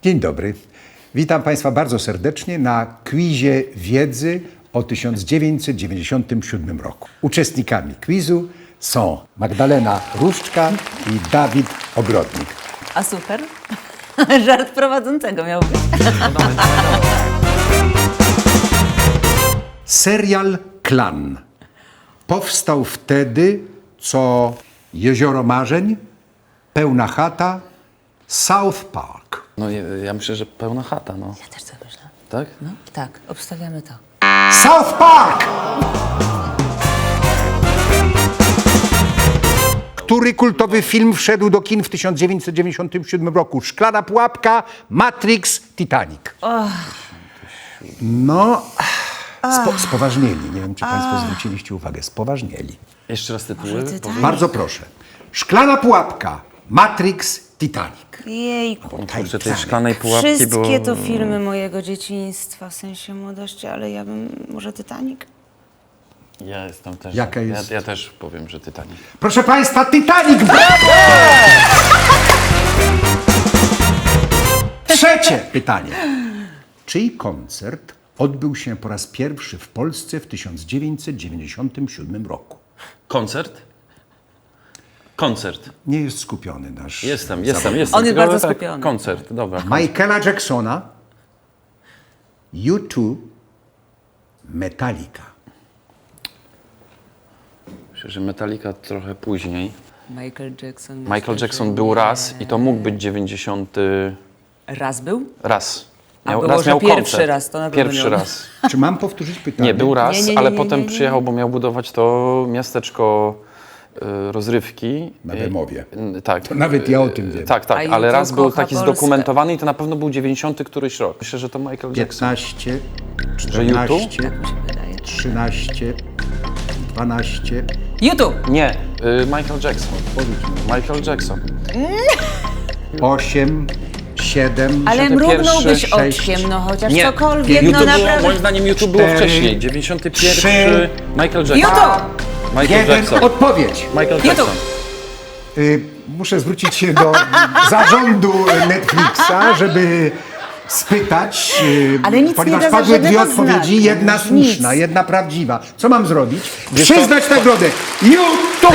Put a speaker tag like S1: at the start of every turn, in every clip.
S1: Dzień dobry. Witam Państwa bardzo serdecznie na quizie wiedzy o 1997 roku. Uczestnikami quizu są Magdalena Różczka i Dawid Ogrodnik.
S2: A super. Żart prowadzącego miał być.
S1: Serial Klan powstał wtedy, co Jezioro Marzeń, Pełna chata, South Park.
S3: No ja myślę, że pełna chata, no.
S2: Ja też tak myślę.
S3: Tak?
S2: No tak, obstawiamy to.
S1: South Park! Który kultowy film wszedł do kin w 1997 roku? Szklana pułapka, Matrix, Titanic. No, spoważnieli. Nie wiem, czy Państwo zwróciliście uwagę. Spoważnieli.
S3: Jeszcze raz tytuły.
S1: Bardzo proszę. Szklana pułapka, Matrix, Titanic.
S2: Jejku.
S3: Kurczę, tej szklanej pułapki
S2: Wszystkie
S3: było...
S2: to filmy mojego dzieciństwa, w sensie młodości, ale ja bym... Może Titanic?
S3: Ja jestem też...
S1: Jaka jest?
S3: Ja też powiem, że Titanic.
S1: Proszę Państwa, Titanic! Brawo! Trzecie pytanie. Czyj koncert odbył się po raz pierwszy w Polsce w 1997 roku?
S3: Koncert? Koncert.
S1: Nie jest skupiony nasz...
S3: Jestem.
S2: On jest
S3: Tylko
S2: bardzo
S3: tak,
S2: skupiony.
S3: Koncert, dobra.
S1: Michaela Jacksona, U2, Metallica.
S3: Myślę, że Metallica trochę później.
S2: Michael Jackson.
S3: Michael Jackson był raz i to mógł być 90...
S2: Raz był?
S3: raz.
S2: A było,
S3: raz
S2: że
S3: miał
S2: pierwszy
S3: koncert.
S2: raz, to na pewno
S3: Pierwszy
S2: miał.
S3: raz.
S1: Czy mam powtórzyć pytanie?
S3: Nie, był raz,
S2: Nie,
S3: ale
S2: nie,
S3: potem
S2: nie.
S3: przyjechał, bo miał budować to miasteczko rozrywki.
S1: Na Bemowie.
S3: Tak.
S1: Nawet ja o tym wiem.
S3: Tak,
S2: A
S3: ale
S2: YouTube
S3: raz był
S2: kocha
S3: taki
S2: Polskę.
S3: zdokumentowany i to na pewno był 90 któryś rok. Myślę, że to Michael Jackson.
S1: 15,
S3: Że YouTube?
S1: 14,
S2: Tak mi się wydaje.
S1: 13, 12.
S2: YouTube!
S3: Nie, Michael Jackson. Michael Jackson.
S1: 8, 7,
S2: Ale
S3: 91,
S2: mrugnąłbyś
S1: 6,
S2: oczkiem, no chociaż
S3: Nie,
S2: cokolwiek,
S3: YouTube
S2: no
S3: było,
S2: naprawdę.
S3: moim zdaniem YouTube było
S1: 4,
S3: wcześniej. 91,
S1: 3,
S3: Michael Jackson.
S2: YouTube!
S3: Michael
S1: 1.
S3: Jackson.
S1: Odpowiedź.
S3: Michael Jackson.
S1: Muszę zwrócić się do zarządu Netflixa, żeby spytać,
S2: Ale nic
S1: ponieważ
S2: nie da za
S1: padły dwie
S2: żadnego
S1: odpowiedzi,
S2: znaku.
S1: jedna
S2: Nic.
S1: słuszna, jedna prawdziwa. Co mam zrobić?
S3: Wiesz
S1: Przyznać nagrodę. YouTube!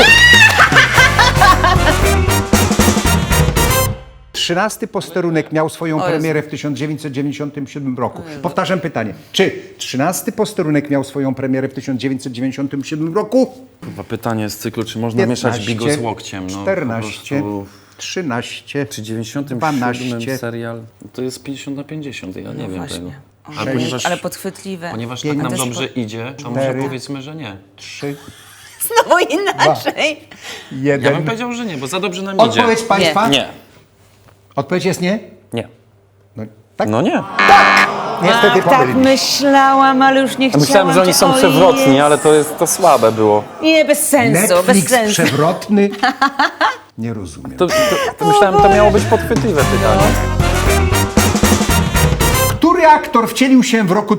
S1: 13 posterunek miał swoją premierę w 1997 roku. Powtarzam pytanie. Czy 13 posterunek miał swoją premierę w 1997 roku?
S3: Chyba pytanie z cyklu, czy można mieszać bigo z łokciem? No,
S1: 14,
S3: po prostu...
S1: 13,
S3: Czy 97
S1: 12,
S3: serial? To jest 50 na 50, ja nie wiem
S2: właśnie.
S3: tego.
S2: O,
S3: Ale ponieważ,
S2: ale podchwytliwe.
S3: ponieważ
S1: Pięć,
S3: tak nam
S2: też
S3: dobrze idzie, to może powiedzmy, że nie.
S1: 3,
S2: Znowu inaczej.
S1: 1.
S3: Ja bym powiedział, że nie, bo za dobrze nam idzie.
S1: Odpowiedź Państwa?
S3: Nie.
S1: Odpowiedź jest nie?
S3: Nie.
S1: No, tak?
S3: No nie.
S1: Niestety
S2: Tak
S1: pomylili.
S2: myślałam, ale już nie chciałam.
S3: Myślałem, że oni są
S2: O
S3: przewrotni,
S2: Jezu.
S3: ale to słabe było.
S2: Nie, bez sensu, bez
S1: Netflix
S2: sensu.
S1: przewrotny? Nie rozumiem.
S3: To myślałem, to miało być podchwytliwe pytanie.
S1: Który aktor wcielił się w roku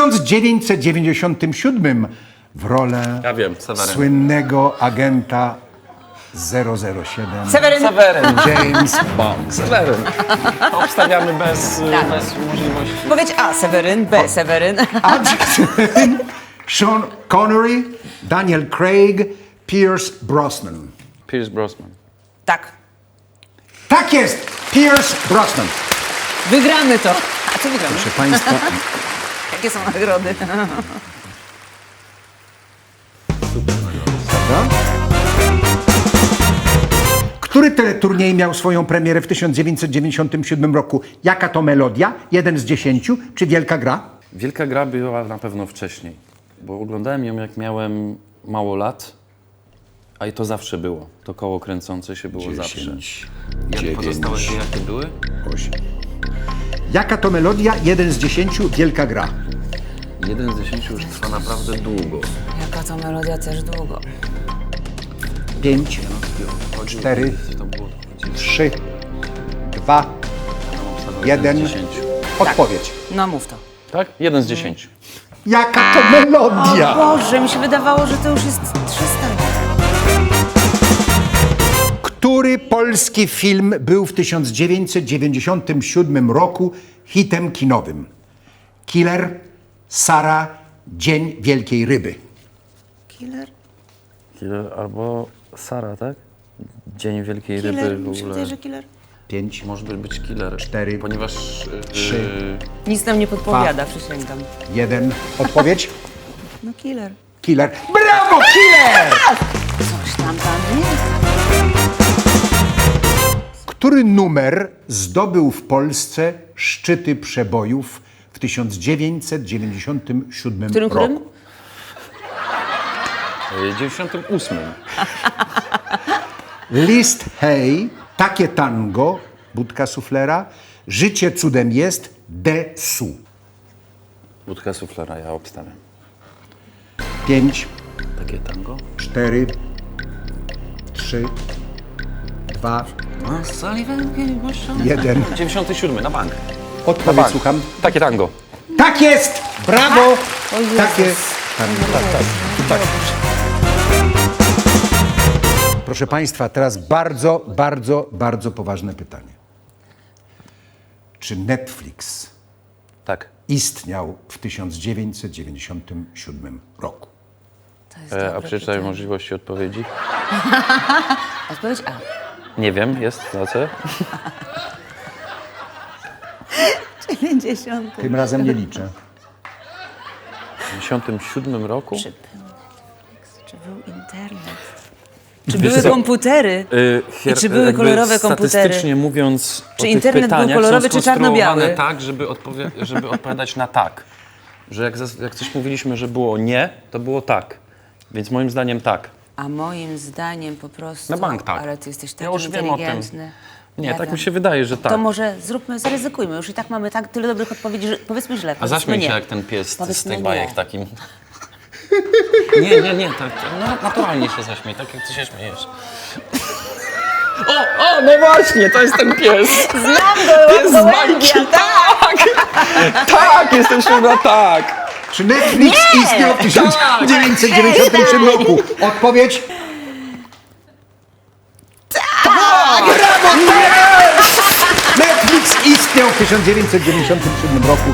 S1: 1997 w rolę
S3: Ja wiem, Seweryn.
S1: słynnego agenta 007
S2: Seweryn.
S3: Seweryn.
S1: James Bond?
S3: Seweryn. Obstawiamy bez możliwości.
S2: Powiedz A, Seweryn, B, Seweryn.
S1: Adrian, Sean Connery, Daniel Craig, Pierce Brosnan.
S3: Pierce Brosnan.
S2: Tak,
S1: Tak jest! Pierce Brosnan.
S2: wygramy to. A co wygramy?
S1: Proszę Państwa,
S2: Jakie są nagrody?
S1: prawda? Który teleturniej miał swoją premierę w 1997 roku? Jaka to melodia? 1 z 10 czy Wielka Gra?
S3: Wielka gra była na pewno wcześniej, bo oglądałem ją jak miałem mało lat, a i to zawsze było. To koło kręcące się było zawsze. Jak pozostałe dwie jakie były?
S1: 8. Jaka to melodia? 1 z 10 Wielka Gra.
S3: 1 z 10 już trwa naprawdę długo.
S2: Jaka to melodia też długo.
S1: 5, 4, 3, 2, 1. Odpowiedź.
S2: No mów to.
S3: Tak? 1 z 10.
S1: Jaka to melodia?
S2: Boże, mi się wydawało, że to już jest 300.
S1: Który Który polski film był w 1997 roku hitem kinowym? Killer, Sara, Dzień Wielkiej Ryby.
S2: Killer?
S3: Killer albo Sara, tak? Dzień Wielkiej
S2: Killer?
S3: Ryby w
S2: Mi się
S3: ogóle.
S2: wydaje, że killer.
S1: 5,
S3: Może być killer.
S1: 4,
S3: Ponieważ...
S1: 3,
S2: Nic nam nie podpowiada, przysięgam.
S1: 1. Odpowiedź?
S2: No killer.
S1: Killer. Brawo, killer!
S2: Coś tam nie?
S1: Który numer zdobył w Polsce szczyty przebojów w 1997
S2: Którym?
S1: roku?
S3: 98.
S1: List Hej, Takie tango, Budka Suflera, Życie cudem jest, Desu.
S3: Budka suflera, ja obstawiam.
S1: 5,
S3: Takie tango?
S1: 4, 3, 2, 1.
S3: 97, na bank.
S1: Odpowiedź słucham.
S3: Takie tango.
S1: Tak jest! Brawo!
S2: O Jezus.
S1: Takie tango. Tak. Proszę Państwa, teraz bardzo poważne pytanie. Czy Netflix
S3: Tak.
S1: istniał w 1997 roku?
S2: To jest
S3: A
S2: dobre
S3: przeczytaj
S2: pytanie.
S3: możliwości odpowiedzi.
S2: Odpowiedź A.
S3: Nie wiem, jest na C.
S2: 90.
S1: Tym razem nie liczę.
S3: W 97 roku?
S2: Czy był Netflix? Czy był internet? Czy były komputery? I czy były
S3: jakby
S2: kolorowe komputery?
S3: Statystycznie mówiąc,
S2: Czy
S3: o tych
S2: internet był
S3: pytaniach
S2: kolorowy,
S3: są
S2: czy czarno-biały?
S3: skonstruowane tak, żeby odpowiadać na tak. Że jak coś mówiliśmy, że było nie, to było tak. Więc moim zdaniem tak.
S2: A moim zdaniem po prostu...
S3: Na bank tak.
S2: Ale ty jesteś taki
S3: Ja już wiem o tym.
S2: inteligentny.
S3: Nie, tak
S2: wiem.
S3: mi się wydaje, że tak.
S2: To może zaryzykujmy. Już i tak mamy tak tyle dobrych odpowiedzi, że powiedzmy źle.
S3: A
S2: Powiedzmy
S3: zaśmiej się
S2: nie.
S3: jak ten pies z
S2: Powiedzmy
S3: tych
S2: nie.
S3: bajek takim. Nie, tak, no, naturalnie się zaśmiej, tak jak ty się śmiejesz. O, no właśnie, to jest ten pies.
S2: Znam go!
S3: Pies z bajki, tak! Tak, jestem siódma, tak!
S1: Czy Netflix istniał w 1997 roku? Odpowiedź? Tak! Brawo, yes! Netflix istniał w 1997 roku.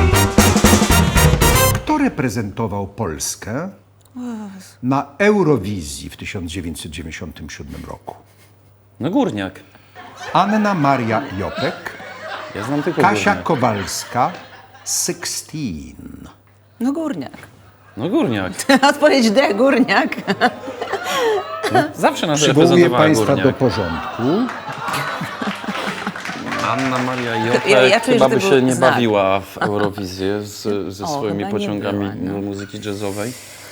S1: Kto reprezentował Polskę na Eurowizji w 1997 roku?
S3: No Górniak.
S1: Anna Maria Jopek,
S3: Ja znam tylko
S1: Kasia
S3: Górniak.
S1: Kowalska, 16.
S2: No górniak.
S3: No Górniak.
S2: Odpowiedź D, górniak.
S3: Zawsze nas
S1: Przywołuję
S3: reprezentowała
S1: Państwa do
S3: Górniak.
S1: porządku.
S3: Anna Maria Jopek
S2: Ja czuję,
S3: chyba
S2: że
S3: by
S2: to
S3: się
S2: był
S3: nie
S2: znak.
S3: bawiła w Eurowizję ze swoimi
S2: chyba nie
S3: pociągami
S2: była, no.
S3: muzyki jazzowej.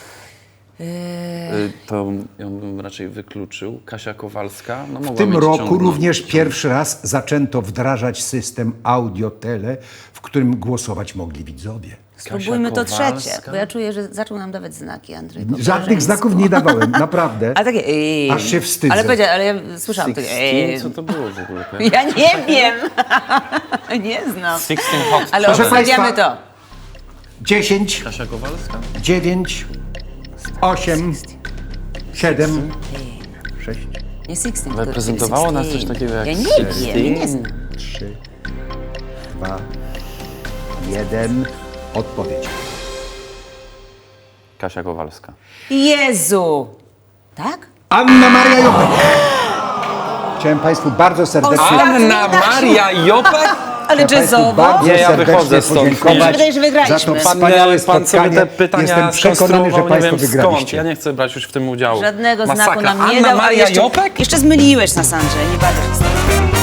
S3: To ją bym raczej wykluczył. Kasia Kowalska. No,
S1: W tym roku również pierwszy raz zaczęto wdrażać system audio-tele, w którym głosować mogli widzowie.
S2: Spróbujmy to
S3: Kowalska.
S2: trzecie, bo ja czuję, że zaczął nam dawać znaki, Andrzej. po
S1: Żadnych
S2: koleżeńsku.
S1: znaków nie dawałem, naprawdę.
S2: Ale takie
S1: Aż się wstydzę.
S2: Ale ja słyszałam takie
S3: 16? Co to było w ogóle?
S2: Ja nie wiem. Nie znam.
S3: 16 Hot
S2: Ale
S1: Proszę
S2: obstawiamy
S1: Państwa.
S2: to.
S1: 10,
S3: Kasia Kowalska?
S1: 9, 8, 7, 6,
S2: Nie 16.
S3: Reprezentowało nas coś
S2: 16.
S3: takiego jak
S2: Ja nie
S3: 16?
S2: wiem, nie znam.
S1: 3, 2, 1. Odpowiedź.
S3: Kasia Kowalska.
S2: Jezu! Tak?
S1: Anna Maria Jopek. Chciałem Państwu bardzo serdecznie...
S3: Anna Maria Jopek?
S2: Ale
S1: Państwu
S2: jazzowo?
S1: bardzo
S3: Nie, ja
S1: serdecznie
S3: wychodzę stąd.
S1: podziękować
S2: Mi się wydaje, że wygraliśmy.
S1: za to
S3: Pan
S1: wspaniałe
S3: sobie
S1: spotkanie.
S3: te pytania
S1: Jestem przekonany, że
S3: skonstruował,
S1: Państwo
S3: nie wiem
S1: wygraliście.
S3: skąd. Ja nie chcę brać już w tym udziału.
S2: Żadnego
S3: Masakra.
S2: znaku nam nie
S3: Anna
S2: dał, a
S3: Maria
S2: jeszcze,
S3: Jopek?
S2: jeszcze zmyliłeś nas, Andrzej. Nie bawię się z tobą.